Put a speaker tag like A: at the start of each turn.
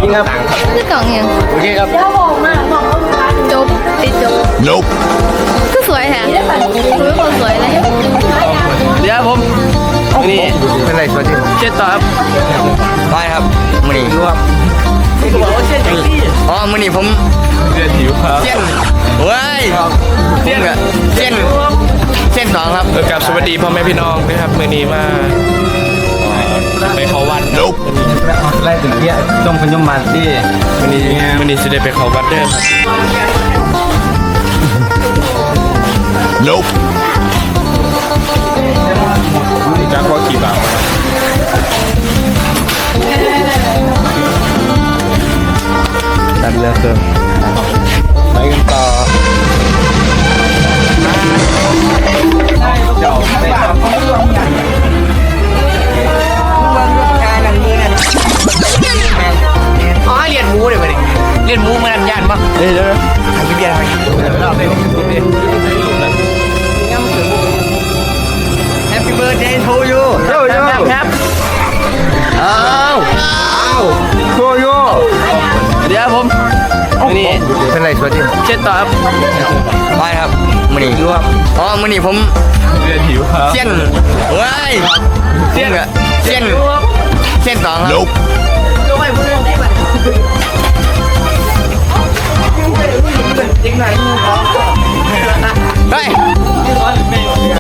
A: ริงครับ
B: คือกล่องยัง
A: โอเคครับ
B: จบติดจบ
C: Nope.
B: ก็สวยแฮะคือคนสวยเลย
A: เดี๋ยวผมนี่
D: เป็นไรสวัสดี
A: เช็ดต่อครับ
D: ไปครับมือนี้
A: ดูครับเขาบอกว่าเช่นอย่างที่
D: อ๋อมือนี้ผม
A: เดือดหิวครับ
D: เส้นเว้ยผมกับเส้นสองครับ
A: กับสวัสดีพ่อแม่พี่น้องนะครับมือนี้มาไปเขาวัด
C: Nope.
D: ไล่ถึงเที่ยจงเป็นยมมาที่
A: มือนี้จะได้ไปเขาวัดเด้อครับ
C: Nope.
A: จ้าข้อกี่บาทตัดเรือเติมไปกันต่อเดี๋ยวไปครับอ๋อเรียนมูเลยไปดิเรียนมูมานันยานปะเดี๋ยวทำพี่เบียร์ไปเราไปHappy birthday to you ครับอ้าวโชโย่เดี๋ยวผมนี่
D: เป็นไรสวัสดี
A: เช็ดต่อครับ
D: ไปครับมือนี้
A: ดูครับ
D: อ๋อมือนี้ผม
A: เดือดหิวครับ
D: เส้นเว้ยผมกับเส้นสองครับ
C: Nope.
D: เฮ้ย